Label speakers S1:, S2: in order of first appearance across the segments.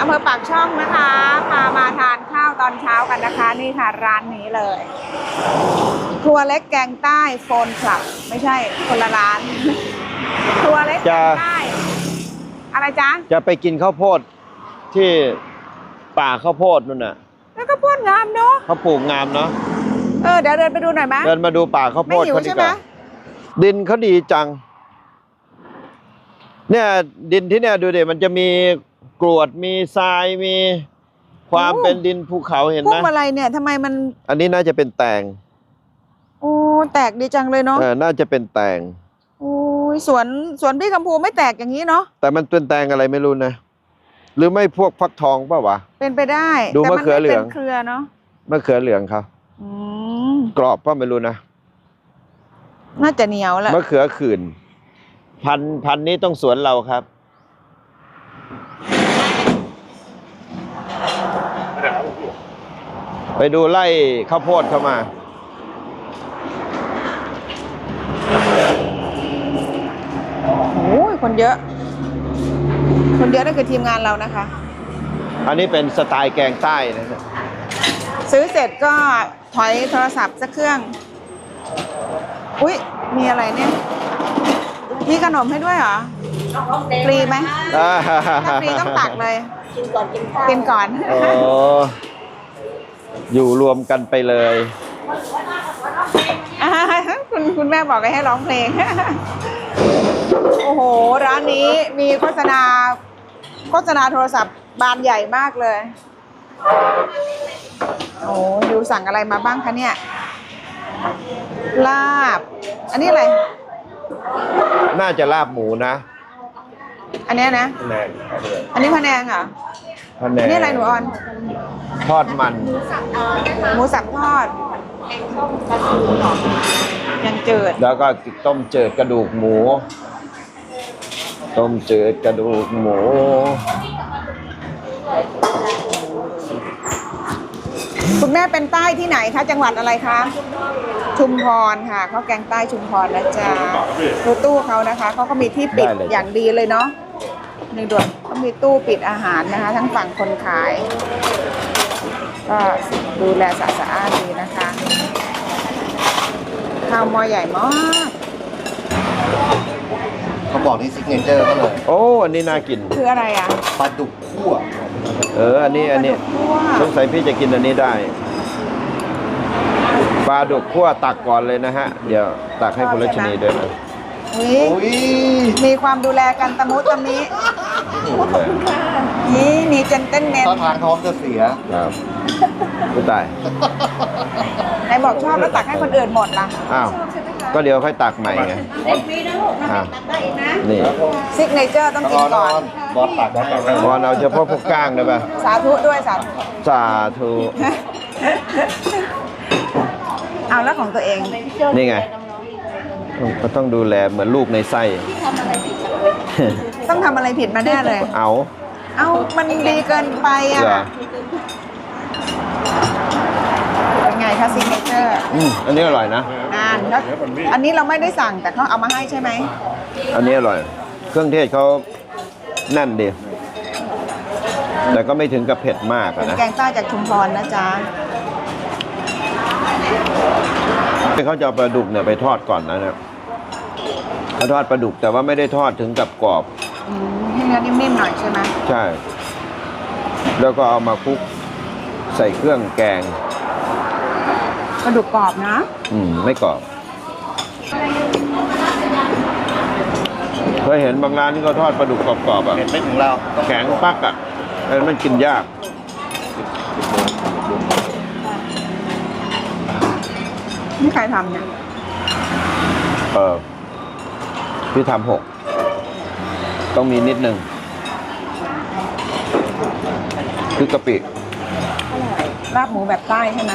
S1: ภอปากช่องนะคะพามาทานข้าวตอนเช้ากันนะคะนี่ค่ะร้านนี้เลยครัวเล็กแกงใต้โฟนคลับไม่ใช่คนละร้านครัวเล็กแกงใต้อะไรจ๊ะ
S2: จะไปกินข้าวโพดที่ป่าข้าวโพดนู่นน่ะ
S1: แล้วก็พ่นงามเนาะ
S2: เขาปลูกงามเนาะ
S1: เดี๋ยวเดินไปดูหน่อยไหม
S2: เดินมาดูป่าข้าวโพดเขาดีกว่าดินเขาดีจังเนี่ยดินที่เนี่ยดูดิมันจะมีกรวดมีทรายมีความเป็นดินภูเขาเห็นไหม
S1: พวกอะไรเนี่ยทำไมมัน
S2: อันนี้น่าจะเป็นแตง
S1: โอ้แตกดีจังเลยเนาะ
S2: น่าจะเป็นแตง
S1: โอ้ยสวนพี่คำพูไม่แตกอย่างนี้เนาะ
S2: แต่มันเป็นแตงอะไรไม่รู้นะหรือไม่พวกฟักทองป่าวะ
S1: เป็นไปได้
S2: ดูมะเขือเหลือง
S1: เครือเนาะ
S2: มะเขือเหลืองครับกรอบป่ะไม่รู้นะ
S1: น่าจะเหนียวแหละ
S2: มะเขือขื่นพันนี้ต้องสวนเราครับไปดูไร่ข้าวโพดเข้ามา
S1: โอ้ยคนเยอะนั่นคือทีมงานเรานะคะ
S2: อันนี้เป็นสไตล์แกงใต้นะ
S1: ซื้อเสร็จก็ถอยโทรศัพท์สักเครื่องอุ๊ยมีอะไรเนี่ยมีขนมให้ด้วยเหรอฟรีไหมถ้าฟรีต้องตักเลยกินก่อน
S2: โอ้อยู่รวมกันไปเลย
S1: คุณแม่บอกให้ร้องเพลงโอ้โหร้านนี้มีโฆษณาโทรศัพท์บานใหญ่มากเลยโอ้ดิวสั่งอะไรมาบ้างคะเนี่ยลาบอันนี้อะไร
S2: น่าจะลาบหมูนะ
S1: อันนี้นะอันนี้พะแนงเหรอ
S2: พะแนง
S1: นี่อะไรหนูออน
S2: ทอดมัน
S1: หมูสับทอดยังเจิด
S2: แล้วก็ต้มเจิดกระดูกหมูต้มเจิดกระดูกหมู
S1: คุณแม่เป็นใต้ที่ไหนคะจังหวัดอะไรคะชุมพรค่ะเขาแกงใต้ชุมพรนะจ๊ะดูตู้เขานะคะเขาก็มีที่ปิดอย่างดีเลยเนาะในด่วนเขามีตู้ปิดอาหารนะคะทั้งฝั่งคนขายก็ดูแลสะอาดดีนะคะข้าวหม้อใหญ่มาก
S3: เขาบอกนี่ซิกเนเจอร์ก็เลย
S2: โอ้อันนี้น่ากิน
S1: คืออะไรอ่ะ
S3: ปลาดุกคั่ว
S2: อันนี้สงสัยพี่จะกินอันนี้ได้ปลาดุกคั่วตักก่อนเลยนะฮะเดี๋ยวตักให้คุณรัชนีด้วยนะ
S1: มีความดูแลกันตะมุตะมินี่มีเจนเต้นเน้น
S3: ตอนทางท้องจะเสีย
S2: ครับไม่ตาย
S1: ไหนบอกชอบแล้วตักให้คนอื่นหมดล่ะ
S2: อ้าวก็เดี๋ยวค่อยตักใหม่ไงนี่
S1: ซิกเนเจอร์ต้องกินก่อน
S3: บอสตัก
S2: บอลเอาเฉพาะพวกก้างได้ป่ะ
S1: สาธุด้วย
S2: สาธุ
S1: เอาแล้วของตัวเอง
S2: นี่ไงก็ต้องดูแลเหมือนลูกในไส้
S1: ต้องทำอะไรผิดมาแน่เลย
S2: เอา
S1: มันดีเกินไปอ่ะเป็นไงคะซิกเนเจอร์
S2: อันนี้อร่อยนะ
S1: อันนี้เราไม่ได้สั่งแต่เขาเอามาให้ใช่ไหม
S2: อันนี้อร่อยเครื่องเทศเขาแน่นดีแต่ก็ไม่ถึงกับเผ็ดมากนะ
S1: แกงใต้จากชุมพรนะจ๊ะ
S2: เขาจะเอาปลาดุกเนี่ยไปทอดก่อนนะเขาทอดปลาดุกแต่ว่าไม่ได้ทอดถึงกับกรอบ
S1: ให้เนื้อนิ่มๆหน่อยใช่ไหม
S2: ใช่แล้วก็เอามาคลุกใส่เครื่องแกง
S1: ปลาดุกกรอบนะ
S2: ไม่กรอบเคยเห็นบางร้านที่เขาทอดปลาดุกกรอบๆอ่ะ
S3: ไม่ถึงเรา
S2: แข็งปักอ่ะมันกินยาก
S1: นี่ใครทำเนี่ย
S2: พี่ทำ6ต้องมีนิดนึงคือกะปิ
S1: ลาบหมูแบบใต้ใช่ไหม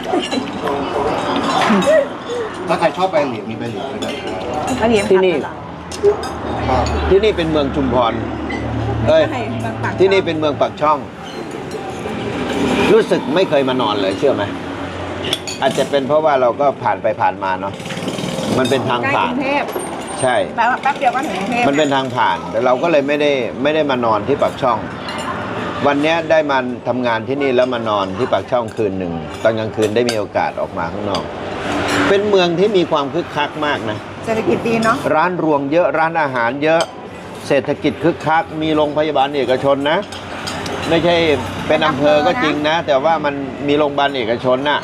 S3: ถ้าใครชอบใบเหลียงมีใบเหลียงด้วยนะ
S2: ที่นี่เป็นเมืองชุมพรที่นี่เป็นเมืองปากช่องรู้สึกไม่เคยมานอนเลยเชื่อไหมอาจจะเป็นเพราะว่าเราก็ผ่านไปผ่านมาเนาะมันเป็นทางผ่านใช่
S1: แป๊บเดียวก็ถึงกรุงเทพ
S2: มันเป็นทางผ่านแต่เราก็เลยไม่ได้มานอนที่ปากช่องวันเนี้ยได้มาทำงานที่นี่แล้วมานอนที่ปากช่องคืนหนึ่งตอนกลางคืนได้มีโอกาสออกมาข้างนอก เป็นเมืองที่มีความคึกคักมากนะ
S1: เศรษฐกิจดีเนาะ
S2: ร้านรวงเยอะร้านอาหารเยอะเศรษฐกิจคึกคักมีโรงพยาบาลเอกชนนะ ไม่ใช่เป็นอำเภอก็จริงนะ แต่ว่ามันมีโรงพยาบาลเอกชนน่ะ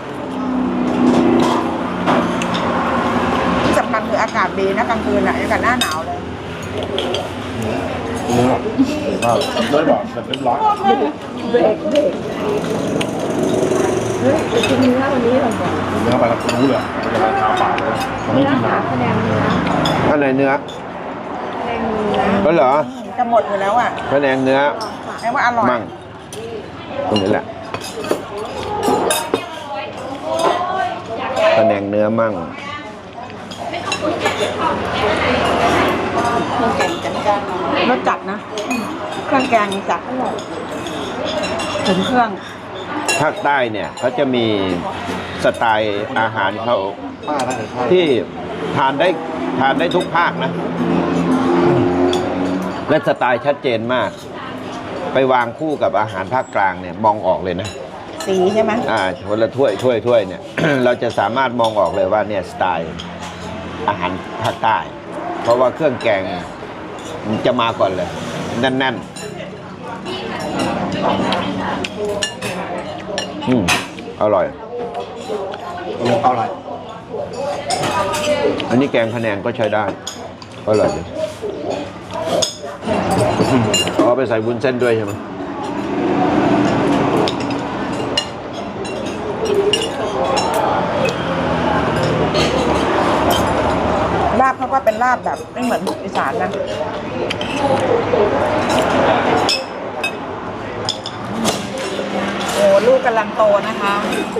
S1: ที่สำคัญคืออากาศดีนะกลางคืนอ่ะอากาศหน้าหนาวเลย
S3: ด้วยบอกแบบเป็นร้อน
S1: เบรกกินเนื้อวันนี้เราบอก
S3: เนื้อไปแล้วรู้เลยมันจะราคาเปล่าเลยเขาไม่กินน้ำ
S1: คะแนนเนื้อ
S2: ข้างในเนื้อ
S1: คะแนนเนื้อ
S2: ก็เหรอ
S1: จะหมดอยู่แล้วอ่ะ
S2: ข้างในเนื้อ
S1: แปลว่าอร่อย
S2: มั่งตรงนี้แหละข้างในเนื้อมั่ง
S1: รสจัดนะเครื่องแกงจัดอร่อยถึงเครื่อง
S2: ภาคใต้เนี่ยเขาจะมีสไตล์อาหารเขา
S3: ป้าน่าจะใช่
S2: ที่ทานได้ทุกภาคนะ และสไตล์ชัดเจนมาก ไปวางคู่กับอาหารภาคกลางเนี่ยมองออกเลยนะ
S1: สีใช่ไหม
S2: คนละถ้วยเนี่ย เราจะสามารถมองออกเลยว่าเนี่ยสไตล์อาหารภาคใต้ เพราะว่าเครื่องแกงจะมาก่อนเลยแน่นๆอร่อย
S3: เอาอะไร
S2: อันนี้แกงพะแนงก็ใช้ได้อร่อยดีเอาไปใส่วุ้นเส้นด้วยใช่ไหม
S1: ลาบเขาก็เป็นลาบแบบไม่เหมือนอีสานนะโอ้ลูกกำลังโตนะคะ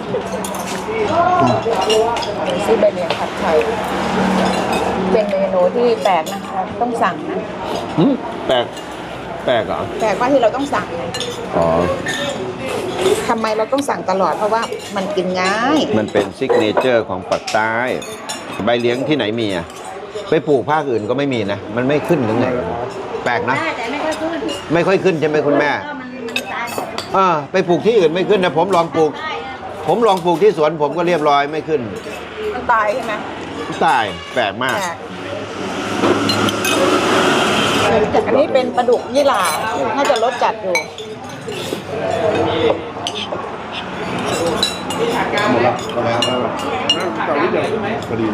S1: ซื้อใบเหลียงผัดไทยเป็นเมนูที่แปลกนะคะต้องสั่งนะ
S2: แปลกเหรอ
S1: แปลกว่าที่เราต้องสั่งไง
S2: อ๋อ
S1: ทำไมเราต้องสั่งตลอดเพราะว่ามันกินง่าย
S2: มันเป็นซิกเนเจอร์ของปักใต้ ใบเลี้ยงที่ไหนมีอ่ะ ไปปลูกภาคอื่นก็ไม่มีนะ มันไม่ขึ้นหรือไง แปลกนะ
S1: แต่ไม่ค่อยขึ้น
S2: ไม่ค่อยขึ้นใช่ไหมคุณแม่
S1: มันตายหมด
S2: ไปปลูกที่อื่นไม่ขึ้นนะ ผมลองปลูกที่สวนผมก็เรียบร้อยไม่ขึ้น
S1: มันตายใช่ไหม
S2: ตายแปลกมาก
S1: อันนี้เป็นปลาดุกยี่หร่าน่าจะรสจัดอยู่
S3: หมดแล้วหมดแล้วเกาหลีเดียวพอดี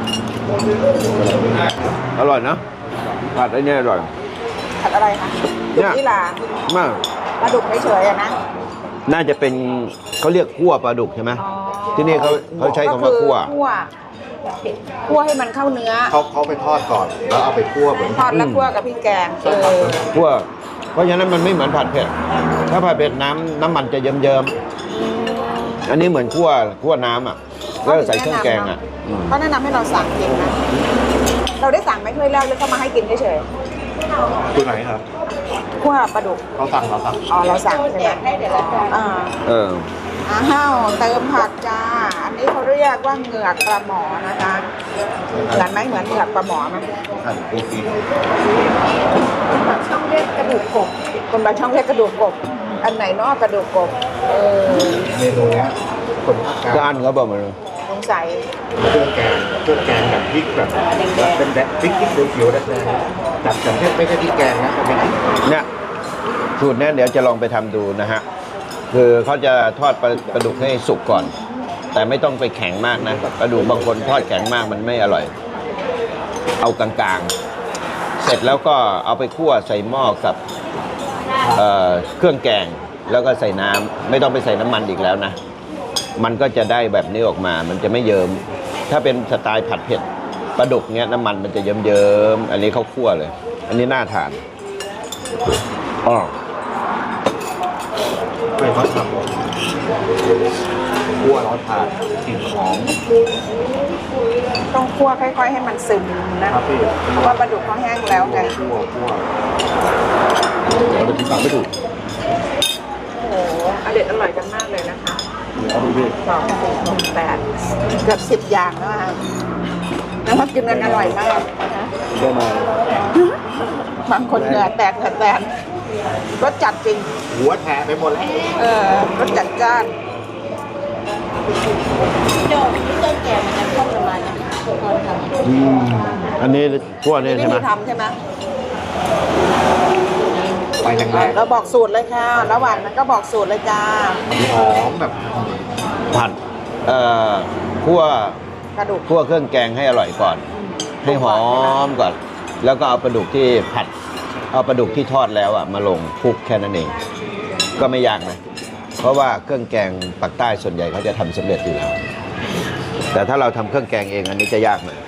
S2: อร่อยนะผัดไอ้เนี่ยอร่อย
S1: ผัดอะไรคะดุกยี่หร่าม
S2: าก
S1: ปลาดุกเฉยๆอะนะ
S2: น่าจะเป็นเขาเรียกคั่วปลาดุกใช่ไหม
S1: อ๋อ
S2: ที่นี่เขาใช้คำว่าคั่ว
S1: คั่วให้มันเข้าเนื้อ
S3: เขาไปทอดก่อน แล้วเอาไปคั่วเหมือน
S1: ทอดแล้วคั่วกับพริกแกง
S2: คั่วเพราะฉะนั้นมันไม่เหมือนผัดเผ็ด ถ้าผัดเผ็ดน้ำมันจะเยิ้มๆอันนี้เหมือนคั่วน้ำอ่ะแล้วใส่เครื่องแกงอ่ะ
S1: เขาแนะนำให้เราสั่งกินนะ เราได้สั่งไหมถ้วยแรกหรือเขามาให้กินเฉย
S3: ตัวไหนครับ
S1: ๆคั่วปลาดุก
S3: เราสั่ง
S1: อ๋อเราสั่งใช่ไหมอ่า
S2: เออ
S1: อ้าวเติมผักจ้า อันนี้เขาเรียกว่าเหงือกปลาหมอนะคะเหมือนไหมเหมือนเหงือกปลาหมอไหม
S3: หั่นปูฟี
S1: คนบางช่องเรียกกระดูกกบคนบางช่องเรียกกระดูกกบ อันไหนเนอกกระดูกกบ
S3: เมนูเนี้ยคนภาคกลาง
S2: ก็อันเขาบอกมาเลย
S1: สงสัย
S3: เครื่องแกงแบบพริกแบบเป็นแบบพริกเขียวๆแดงๆจัดแต่ไม่ใช่พริกแกงนะเป็นพริก
S2: เนี่ยสูตรเนี้ยเดี๋ยวจะลองไปทำดูนะฮะ คือเขาจะทอดปลาดุกให้สุกก่อน แต่ไม่ต้องไปแข็งมากนะปลาดุกบางคนทอดแข็งมากมันไม่อร่อย เอากลางๆ เสร็จแล้วก็เอาไปคั่วใส่หม้อกับเครื่องแกงแล้วก็ใส่น้ำไม่ต้องไปใส่น้ำมันอีกแล้วนะ มันก็จะได้แบบนี้ออกมา มันจะไม่เยิ้มถ้าเป็นสไตล์ผัดเผ็ดปลาดุกเนี้ยน้ำมันมันจะเยิ้มๆอันนี้เขาคั่วเลย อันนี้น่าทานอ๋อ
S3: ไม่ต้องทำคั่วแล้วทานกลิ่นหอม
S1: ต้องคั่วค่อยๆให้มันซึมนะครับ
S3: พี่
S1: เพราะว่าปลาดุกเขาแห้งแล้วไง
S3: คั่วเราจะกินปากไม่ถูก
S1: โอ้โหอร่อยกันมากเลยนะคะ
S3: เอาดูพี่
S1: 2 4 6 8 เกือบ10 อย่างแล้วค่ะแล้วก็กินกันอร่อยมากนะ
S3: ได้มา
S1: บางคนเหงื่อแตกรสจัดจริง
S3: หัวแทะไปหมดแล้ว
S1: รสจัดจ้าน
S4: โดนเครื่องแกงมันจะเข้าประมาณนี้ตอนทำ
S2: อันนี้พวกนี้
S1: วิ
S2: ใช่ไหม
S1: ธีทำใช่ไหม
S3: ไปแรง
S1: เราบอกสูตรเลยค่ะ ระหว่างนั้นก็บอกสูตรเลยจ้า
S3: ๆหอมแบบ
S2: ผัดคั่ว
S1: กระดูก
S2: คั่วเครื่องแกงให้อร่อยก่อน ให้หอมก่อน แล้วก็เอาปลาดุกที่ผัด เอาปลาดุกที่ทอดแล้วอ่ะมาลงคลุกแค่นั้นเอง ก็ไม่ยากนะ เพราะว่าเครื่องแกงปักใต้ส่วนใหญ่เขาจะทำสำเร็จอยู่แล้ว แต่ถ้าเราทำเครื่องแกงเองอันนี้จะยากหน่อย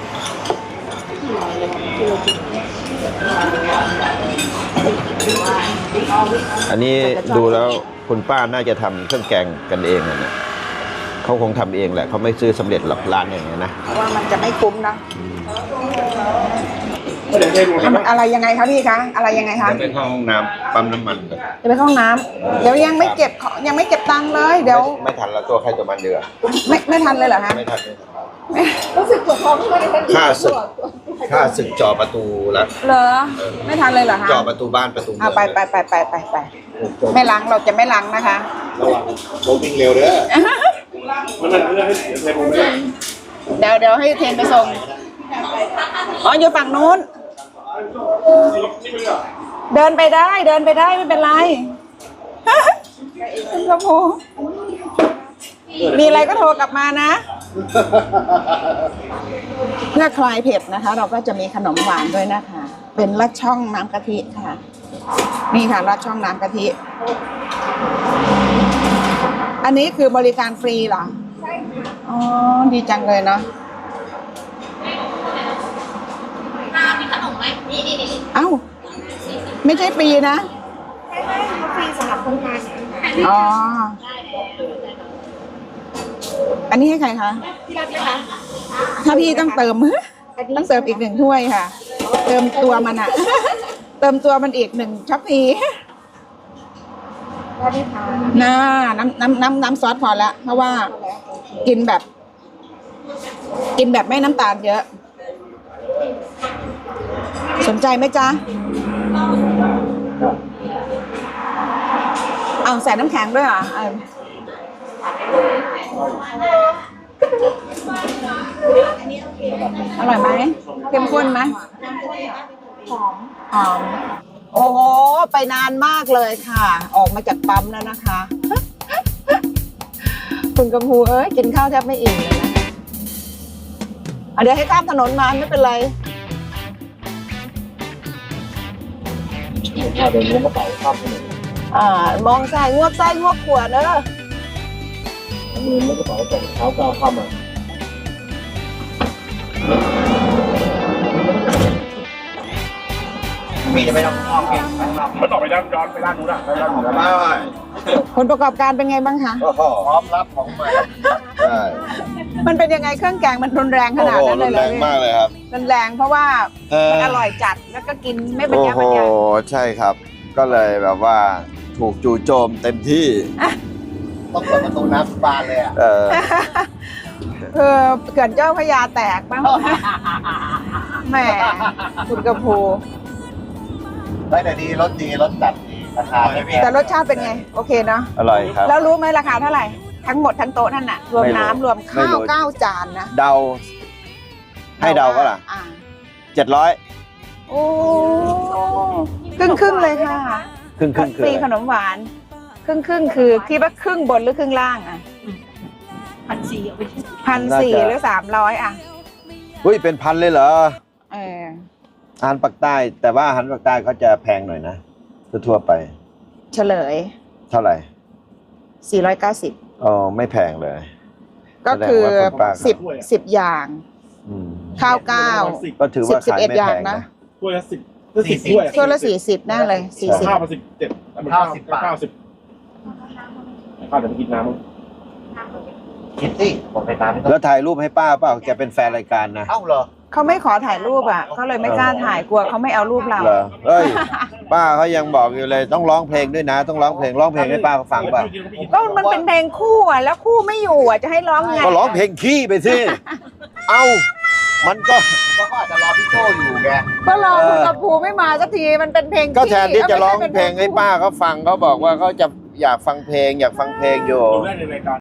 S2: อันนี้ดูแล้วคุณป้าน่าจะทำเครื่องแกงกันเองนะเนี่ยเขาคงทำเองแหละเขาไม่ซื้อสำเร็จหลับร้านอย่างเงี้ยนะ
S1: เพราะว่ามันจะไม่คุ้มนะอะไรยังไงคะพี่คะ อะไรยังไงคะ
S2: ไปเข้าห้องน้ำปั๊มน้ำมันก่อน
S1: จะไปเข้าห้องน้ำเดี๋ยวยังไม่เก็บของยังไม่เก็บตังค์เลย เดี๋ยว
S2: ไม่ทันแล้วตัวใครตัวมันเดือ
S1: ไม่ทันเลยเหรอคะ
S2: ไม่ทัน
S4: รู้สึกปวดท้องเลย
S2: ค่าศึกจ่อประตูละ
S1: เหรอ ไม่ทันเลยเหรอคะ
S2: จ่อประตูบ้านประตูเมื
S1: เอา
S2: อง
S1: ไปไม่ล้างเราจะไม่ล้างนะคะ
S3: ระวังโรวิ่งเร็วเด้อ
S1: เดี๋ยวให้เทนไปส่งอ๋ออยู่ฝั่งนู้น เดินไปได้ไม่เป็นไรคุณกระพูมีอะไรก็โทรกลับมานะ เพื่อคลายเผ็ดนะคะ เราก็จะมีขนมหวานด้วยนะคะ เป็นลัดช่องน้ำกะทิค่ะ นี่ค่ะลัดช่องน้ำกะทิ อันนี้คือบริการฟรีเหรอ ใช่ค่ะอ๋อ ดีจังเลยเนาะ
S4: มีขนมไหมนี่
S1: เอ้า ไม่ใช่ฟรีนะ
S4: ฟรีสำหรับคนงาน
S1: อ๋อ อันนี้ให้ใครคะ
S4: พี่รับไหมคะ
S1: ถ้าพี่ต้องเติม ต้องเติมอีก1 ถ้วยค่ะ เติมตัวมันอะ เติมตัวมันอีก1ช็อปปี้
S4: ได้ไหมคะ
S1: น้ำซอสพอละเพราะว่ากินแบบไม่น้ำตาลเยอะ สนใจไหมจ๊ะ เอาใส่น้ำแข็งด้วยเหรออร่อยไหมเข้มข้นไหมหอม โอ้โห ไปนานมากเลยค่ะ ออกมาจากปั๊มแล้วนะคะ คุณกำพูกินข้าวแทบไม่อิ่มเลยนะเดี๋ยวให้ข้ามถนนมาไม่เป็นไร
S3: ข้าวเดินล้วงกระเป๋าข้ามถนน
S1: มองซ้ายงวกขวาเนอะ
S3: มือล้วงกระเป๋าส่งเท้าก้าวข้ามมามีจะไม่ต้องอ้อมเก่งมันต่อไปย้อนไปด้านนู้นอ่ะไปด้านนู้นได้
S1: ผลประกอบการเป็นไงบ้างคะ
S2: โอ้โห
S3: พร้อมรับของใหม่
S2: ใช่
S1: มันเป็นยังไงเครื่องแกงมันรุนแรงข
S2: โอ้
S1: นาด
S2: โห
S1: นั้นเล
S2: รุ
S1: ย
S2: น
S1: เหร
S2: แร
S1: อง
S2: มากเลยครับ
S1: รุนแรงเพราะว่ามันอร่อยจัดแล้วก็กินไม่บรร
S2: โอ้
S1: ยา
S2: โห
S1: บรรยาย
S2: ใช่ครับ ก็เลยแบบว่าถูกจู่โจมเต็มที่
S3: ต้องเปิดประตูน้ำบานเลยอ่ะ
S1: เขื่อนเจ้าพระยาแตกบ้างแหมคุณกระพู
S3: ได้แต่ดีรสดีรสจัดดีราคาไม่แพง
S1: แต่รสชาติเป็นไง โอเคเนาะ
S2: อร่อยครับ
S1: แล้วรู้ไหมราคาเท่าไหร่ ทั้งหมดทั้งโต๊ะนั่นน่ะ รวม
S2: ไม่รู้
S1: น้ำรวม
S2: ไม่
S1: ข้าว
S2: รู้
S1: 9 จานนะ
S2: เดา ให้เดาก็ล่ะ 700
S1: โอ้ครึ่งเลยค่ะ
S2: ครึ่งคือ
S1: ฟรี
S2: อะไร
S1: ขนมหวาน ครึ่งคือคิดว่าครึ่งบนหรือครึ่งล่างอ่ะ
S4: 1,400เอาไป
S1: 1,400หรือ300อ่ะ
S2: อุ้ยเป็นพันเลยเหรอ
S1: เออ
S2: อาหารปักใต้ แต่ว่าอาหารปักใต้เขาจะแพงหน่อยนะทั่วๆไป
S1: เฉลย
S2: เท่าไหร่
S1: 490
S2: อ๋อไม่แพงเลย
S1: ก็คือ
S2: แสดงว่าคุณป้าครับ
S1: 10อย่าง
S2: อืม
S1: ข้าว9
S2: ก็ถือว่าขายไม่
S1: 11 อย่า
S2: แพ
S1: ง
S2: ง
S1: นะ
S2: นะ
S5: ถ้วยละ10ถ้วย
S1: ถ้วยละ40น่าเลย
S5: ข้าว
S1: 40
S5: มา17ข้าว10 บาทข้าวเดี๋ยวไปกินน้ำมั้ง
S3: คิดสิผมไปตามไม่ต้อง
S2: แล้วถ่ายรูปให้ป้าเปล่าแกเป็นแฟนรายการนะ
S3: เอ้าเหรอ
S1: เขาไม่ขอถ่ายรูปอ่ะเขาเลยไม่กล้าถ่ายกลัวเขาไม่เอารูปเรา
S2: เหรอเฮ้ย ป้าเขายังบอกอยู่เลยต้องร้องเพลงด้วยนะ ต้องร้องเพลงให้ป้าฟังป่ะ
S1: ก็มันเป็นเพลงคู่อ่ะแล้วคู่ไม่อยู่อ่ะจะให้ร้องไง
S2: ก็ร้องเพลงขี้ไปสิ เอ้ามันก็
S3: ก็อาจจะรอพี่โจอยู่ไง
S1: ก็รอคุณกระพูไม่มาสักทีมันเป็นเพลง
S2: ก็แทนที่จะร้อง
S1: ไม่ใช่
S2: เพลงให้ป้าเขาฟังเขาบอกว่าเขาจะอยากฟังเพลงอยู่
S5: ดูได้ในรายการ